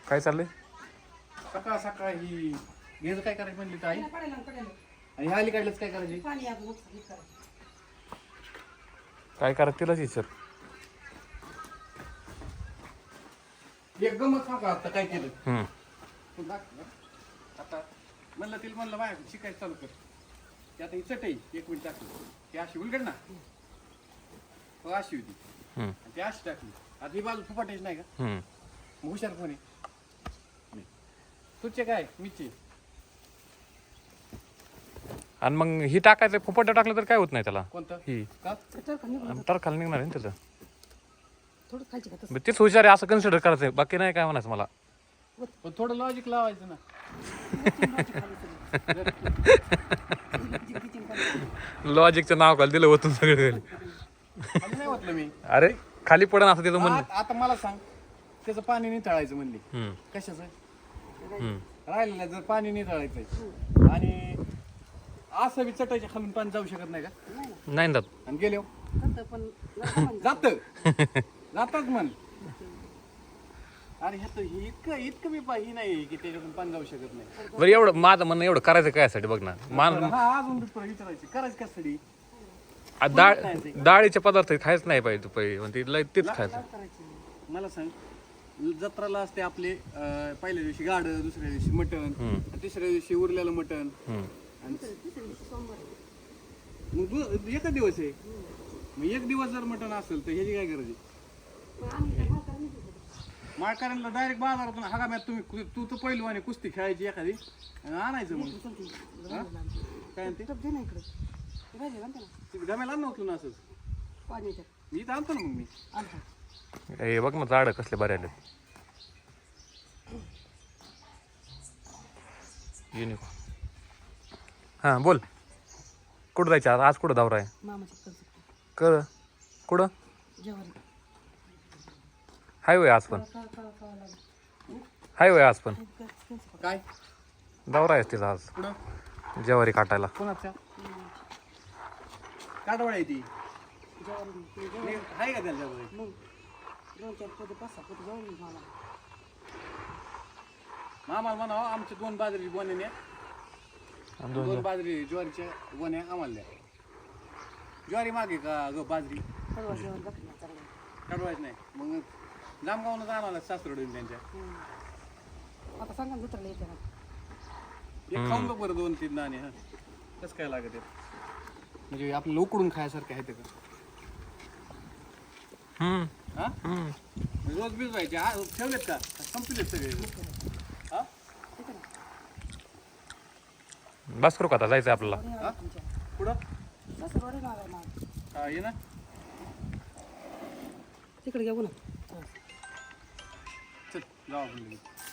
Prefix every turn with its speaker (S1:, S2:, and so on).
S1: काय चाललंय?
S2: सकाळ सकाळ ही घ्यायचं काय करायचं म्हणली तर आई आणि ह्या अलीकडलंच काय करायची
S1: काय करा तिलाच विचार.
S2: एक गमत सांगा आता काय केलं
S1: हम्म.
S2: तू दाखव ना. आता म्हणलं तिला म्हणलं बाय शिकायचं चालू कर ते आता ही चटई 1 मिनिट टाकली ती अशी उलगड ना हो अशी होती
S1: हम्म.
S2: आणि ती अशी टाकली आता ही बाजू फुपाटायची नाही का
S1: हम्म.
S2: मग हुशार कोण आहे मी. तुझे काय मीचे
S1: आणि मग ही टाकायचं फुपट टाकलं तर काय होत नाही त्याला.
S2: कोणतं
S1: ही
S2: का
S1: टरखाला निघणार आहे ना त्याचं.
S3: थोडं खायची का तसं?
S1: मग तेच हुशार आहे असं कन्सिडर करायचं, बाकी नाही काय म्हणायचं मला.
S2: पण थोडं लॉजिक लावायचं ना
S1: लॉजिकचं नाव घाल दिलं होतं सगळं.
S2: आणि नाही म्हटलं मी
S1: अरे खाली पडन असं त्याचं म्हणणं.
S2: आता मला सांग त्याचं पाणी निथळायचं म्हणली
S1: हम्म.
S2: कशाचं
S1: हम्म.
S2: राहिलेलं जर पाणी निथळायचंय आणि असं बी चटायच्या खालून पाणी जाऊ शकत नाही का
S1: नाही जात.
S2: आणि गेले
S3: करतं पण
S2: जात जातच म्हण अरे ह्यात ही इतकं मी ही नाही की त्याच्यातून पाणी जाऊ शकत नाही
S1: बरं एवढं माझं म्हणणं एवढं करायचं काय साठी बघ ना. मान
S2: हा अजून विचारायची करायची कशासाठी
S1: डाळीचे पदार्थ खायच नाही पाहिजे तू पहिले म्हणते लय तेच खायचं.
S2: मला सांग जत्राला असते आपले पहिल्या दिवशी गाड दुसऱ्या दिवशी मटण तिसऱ्या दिवशी उरलेलं मटण
S1: हम्म.
S2: आणि मग एकच दिवस आहे मग एक दिवस जर मटण असेल तर ह्याची काय गरज आहे माळकऱ्यांना डायरेक्ट बाजारातून हगाम्यात तुम्ही तू तर पहिलू आणि कुस्ती खेळायची एखादी आणि आणायचं मग हा? काय म्हणते गम्याला आणलं होतं ना असंच मी इथं आणतो ना मग मी
S1: हे बघ ना झाड कसले बरे आले. युनिकॉर्न. हां बोल. कुठं जायचं आज कुठं दौरा आहे?
S3: मामाच्या
S1: कर कुठं
S3: जेवारी
S1: हायवे आज पण हायवे आज पण
S2: काय
S1: दौरा आहे तिचा आज
S2: पुढं
S1: ज्वारी काटायला.
S2: कोणाच्या काटवाड आहे ती
S3: जेवारी
S2: आहे का त्याच्यावर
S3: मग 2-4 पोते 5-6 पोते जाऊन मला
S2: आम्हाला म्हणावं आमच्या 2 बाजरी गोण्याने 2 बाजरी ज्वारीच्या गोण्या आम्हाला द्या ज्वारी मागे का ग बाजरी
S3: परवा जेवण बघणार चांगलं
S2: काढवायचं नाही मग जामगावनं जाणार सासरडून त्यांच्या
S3: आता सांगा ना दुसऱ्याला येते ना
S2: एक खाऊन बघ बरं 2-3 दाणे हा कसं काय लागत आहे म्हणजे आपल्याला उकडून खायसारखं आहे ते का
S1: हम्म.
S2: हा
S1: हम्म.
S2: रोज भिजवायचे ठेवलेत का संपलेत सगळे हा
S1: बस करू का आता जायचं आपल्याला.
S2: हा? पुढं
S3: सासरवाडी नाव आहे माझं.
S2: हा ये ना
S3: तिकडे घेऊ ना
S2: चल जाऊ आपण लगेच.